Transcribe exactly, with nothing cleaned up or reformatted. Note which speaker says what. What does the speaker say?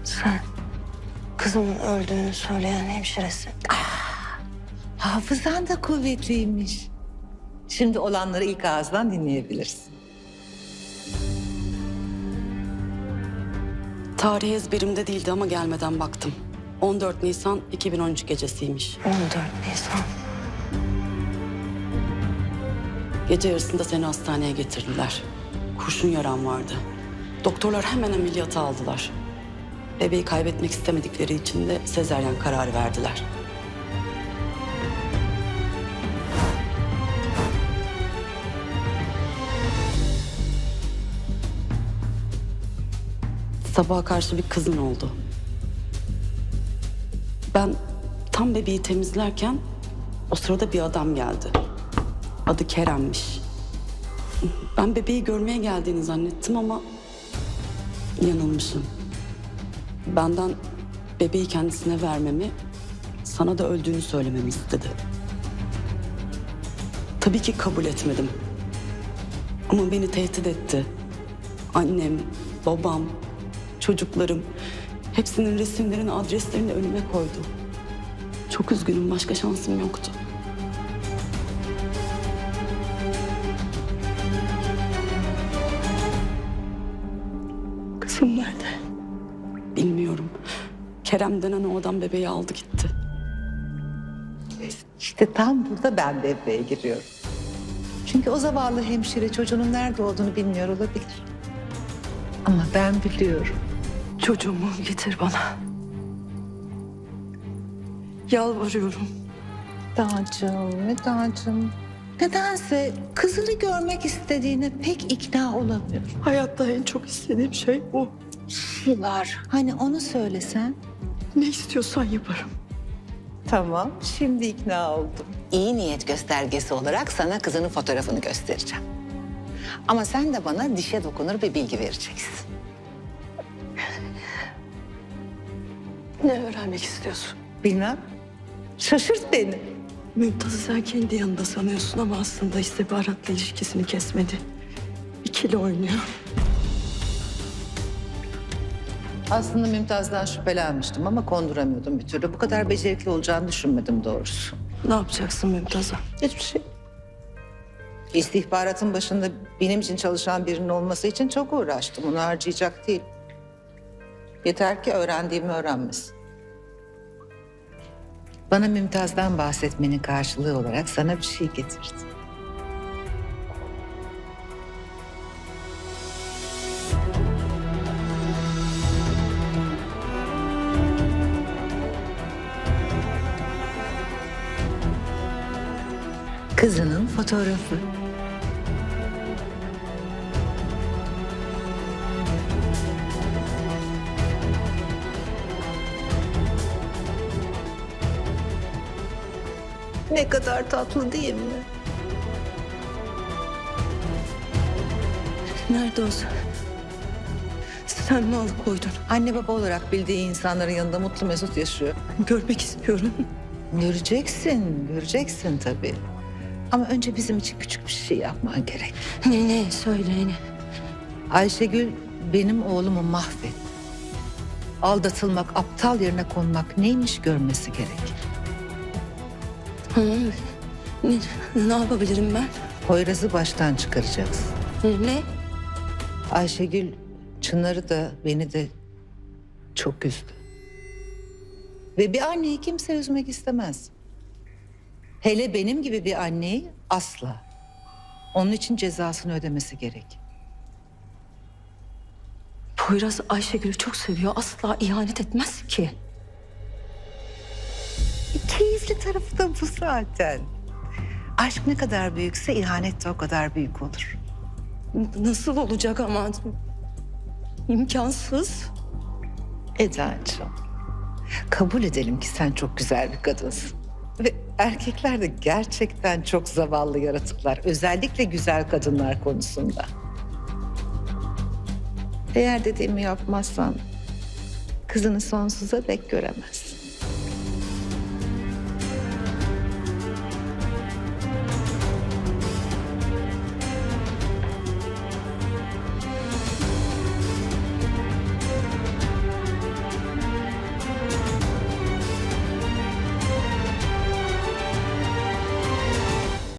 Speaker 1: Sen kızımın öldüğünü söyleyen hemşiresin.
Speaker 2: Hafızan da kuvvetliymiş. Şimdi olanları ilk ağızdan dinleyebilirsin.
Speaker 3: Tarih ezberimde değildi ama gelmeden baktım. on dört Nisan iki bin on üç gecesiymiş.
Speaker 1: on dört Nisan.
Speaker 3: Gece yarısında seni hastaneye getirdiler. Kurşun yaran vardı. Doktorlar hemen ameliyata aldılar. Bebeği kaybetmek istemedikleri için de sezaryen kararı verdiler. Sabaha karşı bir kızın oldu. Ben tam bebeği temizlerken o sırada bir adam geldi. Adı Kerem'miş. Ben bebeği görmeye geldiğini zannettim ama yanılmışım. Benden bebeği kendisine vermemi, sana da öldüğünü söylememi istedi. Tabii ki kabul etmedim. Ama beni tehdit etti. Annem, babam, çocuklarım hepsinin resimlerini, adreslerini önüme koydu. Çok üzgünüm, başka şansım yoktu.
Speaker 1: Kızım nerede?
Speaker 3: Bilmiyorum. Kerem denen o adam bebeği aldı gitti.
Speaker 2: İşte tam burada ben devreye giriyorum. Çünkü o zavallı hemşire çocuğunun nerede olduğunu bilmiyor olabilir. Ama ben biliyorum.
Speaker 1: Çocuğumu getir bana. Yalvarıyorum.
Speaker 2: Dağcığım, Medacığım. Nedense kızını görmek istediğine pek ikna olamıyorum.
Speaker 1: Hayatta en çok istediğim şey bu.
Speaker 2: Yıllar. Hani onu söylesen.
Speaker 1: Ne istiyorsan yaparım.
Speaker 2: Tamam, şimdi ikna oldum.
Speaker 4: İyi niyet göstergesi olarak sana kızının fotoğrafını göstereceğim. Ama sen de bana dişe dokunur bir bilgi vereceksin.
Speaker 1: Ne öğrenmek istiyorsun?
Speaker 2: Bilmem. Şaşırt beni.
Speaker 1: Mümtaz'ı sen kendi yanında sanıyorsun ama aslında istihbaratla ilişkisini kesmedi. İkili oynuyor.
Speaker 2: Aslında Mümtaz'dan şüphelenmiştim ama konduramıyordum bir türlü. Bu kadar becerikli olacağını düşünmedim doğrusu.
Speaker 1: Ne yapacaksın Mümtaz'a?
Speaker 2: Hiçbir şey. İstihbaratın başında benim için çalışan birinin olması için çok uğraştım. Onu harcayacak değil. Yeter ki öğrendiğimi öğrenmesin. Bana Mümtaz'dan bahsetmenin karşılığı olarak sana bir şey getirdim. Kızının fotoğrafı.
Speaker 1: Ne kadar tatlı değil mi? Nerede o sen? Sen mi alıkoydun?
Speaker 2: Anne baba olarak bildiği insanların yanında mutlu mesut yaşıyor.
Speaker 1: Görmek istiyorum.
Speaker 2: Göreceksin, göreceksin tabii. Ama önce bizim için küçük bir şey yapman gerek.
Speaker 1: Ne ne söyle ne?
Speaker 2: Ayşegül benim oğlumu mahvetti. Aldatılmak, aptal yerine konmak neymiş görmesi gerek.
Speaker 1: Ha, ne, ne yapabilirim ben?
Speaker 2: Poyraz'ı baştan çıkaracaksın.
Speaker 1: Ne?
Speaker 2: Ayşegül Çınar'ı da beni de çok üzdü. Ve bir anneyi kimse üzmek istemez. Hele benim gibi bir anneyi asla. Onun için cezasını ödemesi gerek.
Speaker 1: Poyraz Ayşegül'ü çok seviyor. Asla ihanet etmez ki.
Speaker 2: Keyifli tarafı da bu zaten. Aşk ne kadar büyükse ihanet de o kadar büyük olur.
Speaker 1: Nasıl olacak ama? İmkansız.
Speaker 2: Eda'cığım, kabul edelim ki sen çok güzel bir kadınsın. Ve erkekler de gerçekten çok zavallı yaratıklar. Özellikle güzel kadınlar konusunda. Eğer dediğimi yapmazsan kızını sonsuza dek göremezsin.